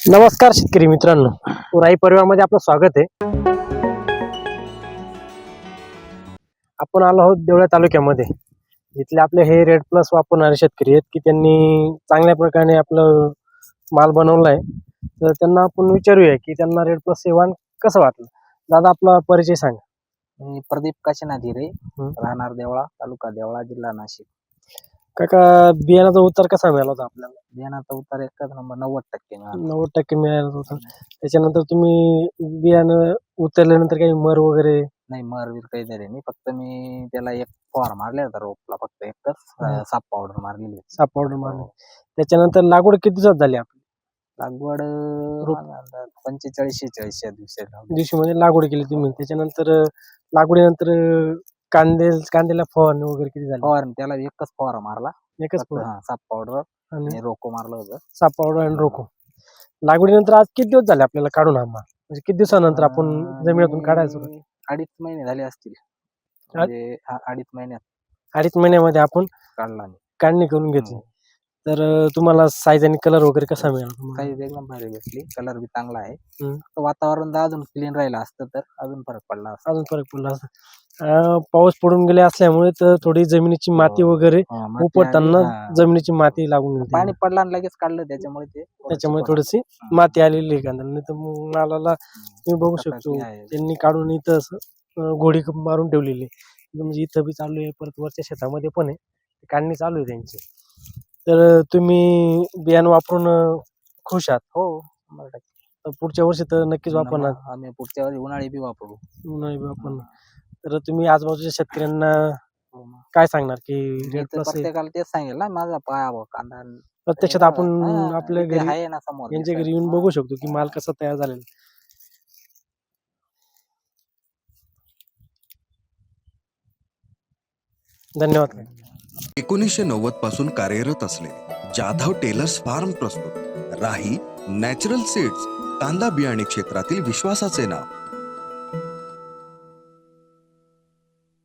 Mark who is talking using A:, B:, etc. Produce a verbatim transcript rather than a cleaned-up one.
A: नमस्कार शेतकरी मित्रांनो, राई परिवारामध्ये आपलं स्वागत आहे. आपण आलो आहोत देवळा तालुक्यामध्ये. इथले आपले हे रेड प्लस वापरणारे शेतकरी आहेत की त्यांनी चांगल्या प्रकारे आपलं माल बनवला आहे. तर त्यांना आपण विचारूया की त्यांना रेड प्लस सेवन कसं वाटलं. दादा आपला परिचय सांगा.
B: मी प्रदीप काशीनाथ हिरे,
A: हं.
B: राहणार देवळा, तालुका देवळा, जिल्हा नाशिक.
A: काका बियाणाचा उतार कसा मिळाला होता आपल्याला?
B: बियाणाचा उतार एकच नंबर नव्वद टक्के मिळाला.
A: नव्वद टक्के मिळाला होता. त्याच्यानंतर तुम्ही बियाणं उतरल्यानंतर काही मर वगैरे
B: नाही मर बीर काही झाले नाही. फक्त मी त्याला एक फवार मारले होता रोपला, फक्त एकच
A: हं.
B: अं, साप पावडर मारलेली होती.
A: साप पावडर मारली. त्याच्यानंतर लागवड किती दिवसात झाली आपली?
B: लागवड
A: रोप.
B: माझा अंदाज पंचेचाळीस शेहेचाळीस या दिवशी लावली.
A: दिवशी म्हणजे लागवड केली तुम्ही. त्याच्यानंतर अं, लागवडीनंतर अं, कांदे कांद्याला फवारणी वगैरे किती झाली?
B: फवार त्याला एकच फवारा मारला.
A: एकच
B: फक्त
A: फवार
B: हा साप पावडर
A: आणि
B: आणि रोको मारलं होतं.
A: साप पावडर आणि रोको. लागवडीनंतर आज किती दिवस झाले आपल्याला काढून हा माल? म्हणजे किती दिवसानंतर आपण
B: अं,
A: जमिनीतून
B: मी
A: काढायला सुरुवात?
B: अडीच महिने झाले असतील. म्हणजे हा अडीच महिन्यात
A: अडीच महिन्यामध्ये आपण
B: काढला मी.
A: काढणी करून घेतली.
B: हं.
A: तर अं, तुम्हाला साईज आणि कलर वगैरे कसा मिळाला तुम्हाला?
B: साईज एकदम भारी भेटली. कलर बी चांगला आहे.
A: हं.
B: फक्त वातावरण जर अजून क्लीन राहिलं असतं तर अजून फरक पडला असता.
A: अजून फरक पडला असता. अं, पाऊस पडून गेले असल्यामुळे तर थोडी जमिनीची माती वगैरे
B: हा, माती आली.
A: उपटताना
B: हा.
A: जमिनीची माती लागून गेली.
B: पाणी पडलं आणि लगेच काढलं त्याच्यामुळे ते थोडं
A: त्याच्यामुळे
B: चिकट
A: थोडीशी
B: आहे.
A: माती आलेली आहे कांद्याला. नाही तर मग मालाला
B: हं.
A: तुम्ही बघू
B: कपाशी
A: शकतो
B: आहे.
A: त्यांनी काढून इथं असं अं, घोडी मारून ठेवलेली आहे. म्हणजे इथं बी चालू आहे, परत वरच्या शेतामध्ये पण आहे. काढणी चालू आहे त्यांची. तर अं, तुम्ही बियाणं वापरून अं, खुश आहात?
B: हो शंभर टक्के.
A: तर पुढच्या वर्षी तर नक्कीच वापरणार.
B: मग आम्ही पुढच्या वेळी उन्हाळी बी वापरू.
A: नाही वापरणार. तर तुम्ही आजूबाजूच्या शेतकऱ्यांना
B: हो मग.
A: काय सांगणार की
B: मी
A: रेड
B: तर
A: प्लस आहे?
B: प्रत्येकाला तेच सांगेल ना, माझा पायावर कांदा आणि
A: प्रत्यक्षात
B: हे
A: आपण
B: बघा. हा,
A: आपल्या
B: इथे
A: घरी
B: आहे ना समोर
A: यांच्या
B: दिसतंय.
A: घरी येऊन
B: हा.
A: बघू शकतो की माल कसा तयार झालेला आहे. धन्यवाद.
C: एकोणीसशे नव्वद पासून कार्यरत असलेले जाधव टेलर्स फार्म प्रस्तुत राही नॅचरल सीड्स, कांदा बियाणे क्षेत्रातील विश्वासाचे नाव.